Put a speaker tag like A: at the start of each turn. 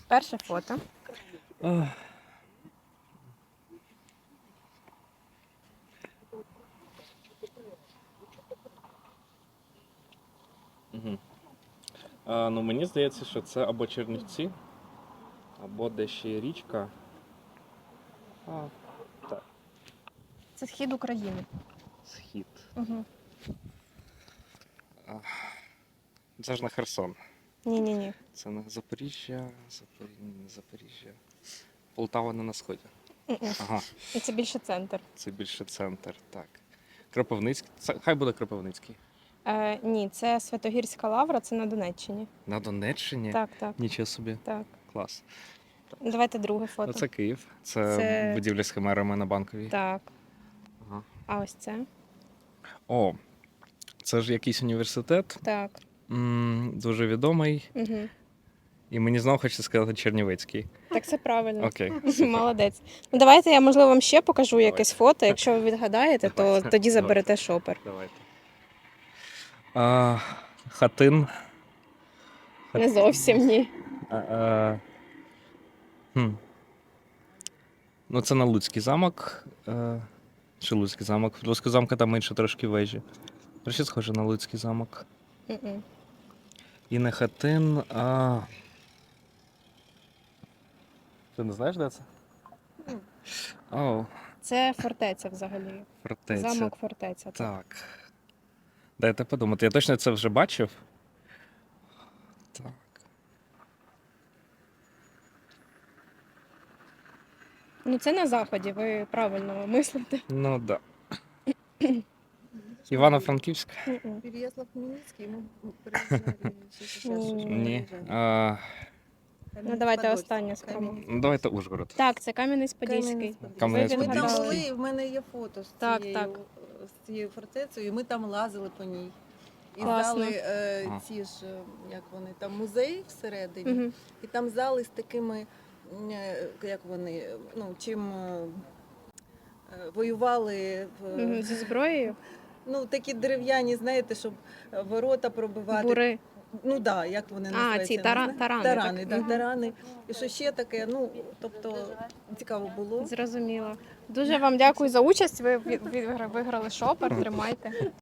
A: Перше фото.
B: Ах. Угу. Ну, мені здається, що це або Чернівці, або де ще є річка. Так,
A: Це схід України.
B: схід.
A: Угу.
B: Це ж на Херсон.
A: Ні.
B: Це на Запоріжжя, Запоріжжя. Полтава не на сході. Ага,
A: І це більше центр.
B: це більше центр, так. Кропивницький. Хай буде Кропивницький.
A: Ні, це Святогірська лавра, це на Донеччині.
B: На Донеччині?
A: Так.
B: Нічого собі.
A: Так.
B: Клас.
A: Давайте друге фото.
B: Це Київ. Це будівля з химерами на Банковій.
A: Так.
B: Ага.
A: А ось це?
B: О, це ж якийсь університет.
A: Так.
B: Дуже відомий.
A: Угу.
B: І мені знову хочеться сказати Чернівецький.
A: Так це правильно.
B: Окей.
A: Молодець. Ну давайте я, можливо, вам ще покажу якесь фото. Якщо ви відгадаєте, то
B: Давайте.
A: тоді заберете шопер.
B: Давайте. Хатин.
A: Не зовсім ні.
B: Ну, це на Луцький замок. Чи Луцький замок? В Луцького замка там менше трошки вежі. Трохи схоже на Луцький замок.
A: Мгм.
B: І не Хатин, а... Ти не знаєш, де це? О,
A: Це фортеця взагалі.
B: фортеця.
A: Замок фортеця.
B: Так. Дайте подумати. Я точно це вже бачив. Так.
A: Ну це на заході, ви правильно мислите.
B: Ну, так. Да. Івано-Франківськ?
A: Мгм.
C: Переезд в Хмельницкий, мы приезжали сейчас
A: Ні.
B: Ні.
A: Ну давайте останнє спробуємо.
B: Ну, давайте Ужгород.
A: Так, це Кам'янець-Подільський.
B: Кам'янець-Подільський.
A: Ви
C: Ми там
A: відгадали.
C: були, і в мене є фото
A: Так, так.
C: з цією фортецею, і ми там лазили по ній. І
A: Класно.
C: зали
B: Ага.
C: ці ж, як вони, там музей всередині,
A: Мгм.
C: і там зали з такими, як вони, ну, чим воювали,
A: Мгм. Зі зброєю?
C: ну, такі дерев'яні, знаєте, щоб ворота пробивати.
A: Бури.
C: Ну так, да, як вони називаються?
A: ці
C: я не знаю.
A: тарани,
C: Тарани,
A: так.
C: да,
A: Мгм.
C: тарани. І що ще таке, ну, тобто, цікаво було.
A: Зрозуміло. Дуже вам дякую за участь. Ви виграли шопер. Тримайте.